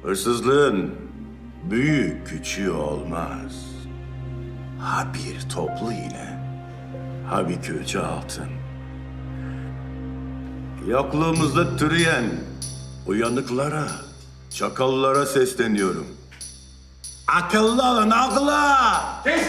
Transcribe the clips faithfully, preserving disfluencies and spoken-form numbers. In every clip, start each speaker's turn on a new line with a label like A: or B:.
A: Hırsızlığın büyük küçüğü olmaz. Ha bir toplu iğne, ha bir külçe altın. Yokluğumuzda türeyen uyanıklara, çakallara sesleniyorum. Akıllı olun, akıllı!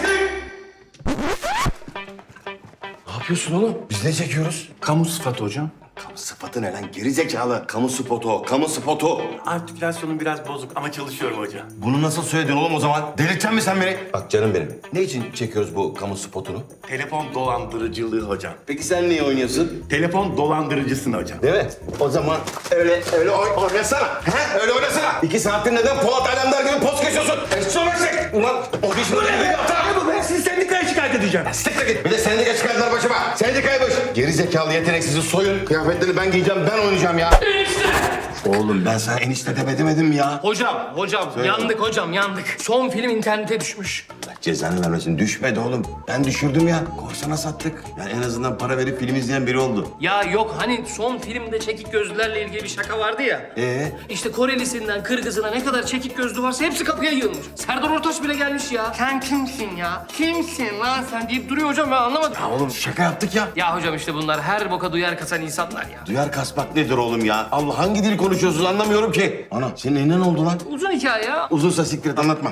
B: Ne yapıyorsun oğlum? Biz ne çekiyoruz?
C: Kamu sıfatı hocam.
B: Kamu sıfatı ne lan? Geri zekalı. Kamu spotu o. Kamu spotu.
C: Artikülasyonum biraz bozuk ama çalışıyorum hocam.
B: Bunu nasıl söyledin oğlum o zaman? Delirteceksin mi sen beni? Bak canım benim. Ne için çekiyoruz bu kamu spotunu?
C: Telefon dolandırıcılığı hocam.
B: Peki sen niye oynuyorsun?
C: Telefon dolandırıcısın hocam.
B: Değil mi? O zaman öyle öyle oy, oynasana. He? Öyle oynasana. İki saattir neden Polat Alemdar gibi poz geçiyorsun? Eşit olacak. Ulan o dişini bir atar.
C: Ben sizi sendikaya şikayet edeceğim.
B: Siktir git. Bir de sendika çıkardılar başıma. Sendikaymış. Geri zekalı yeteneksizi soyun. Kıyafetlerini ben giyeceğim, ben oynayacağım ya. Oğlum ben sana enişte de demedim mi ya?
D: Hocam, hocam yandık hocam yandık. Son film internete düşmüş.
B: Allah cezanı vermesin. Düşmedi oğlum. Ben düşürdüm ya. Korsana sattık. Yani en azından para verip film izleyen biri oldu.
D: Ya yok hani son filmde çekik gözlülerle ilgili bir şaka vardı ya.
B: Ee?
D: İşte Korelisinden Kırgızına ne kadar çekik gözlü varsa hepsi kapıya yığılmış. Serdar Ortaç bile gelmiş ya. Sen kimsin ya? Kimsin lan sen deyip duruyor hocam ben anlamadım.
B: Ya oğlum şaka yaptık ya.
D: Ya hocam işte bunlar her boka duyar kasan insanlar ya.
B: Duyar kasmak nedir oğlum ya? Allah hangi dil konuşuyorsunuz anlamıyorum ki. Ana senin elinden oldu lan.
D: Uzun hikaye ya.
B: Uzunsa siktir et anlatma.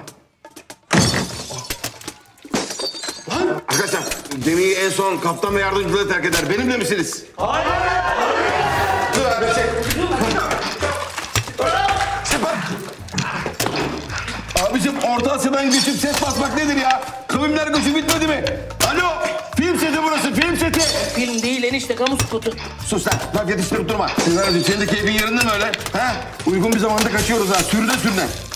B: Lan! Arkadaşlar gemiyi en son kaptan ve yardımcılığı terk eder. Benimle misiniz? Hayır! Dur abi çek. Abicim Orta Asya'dan geçip ses basmak nedir ya? Kavimler göçü bitmedi mi? Alo! Film seti burası, film seti.
D: Film değil enişte kamu spotu.
B: Sus lan, laf yetiştirip durma. Sizler senin de keyfin yerinde mi öyle? Ha? Uygun bir zamanda kaçıyoruz ha, sürüne sürüne.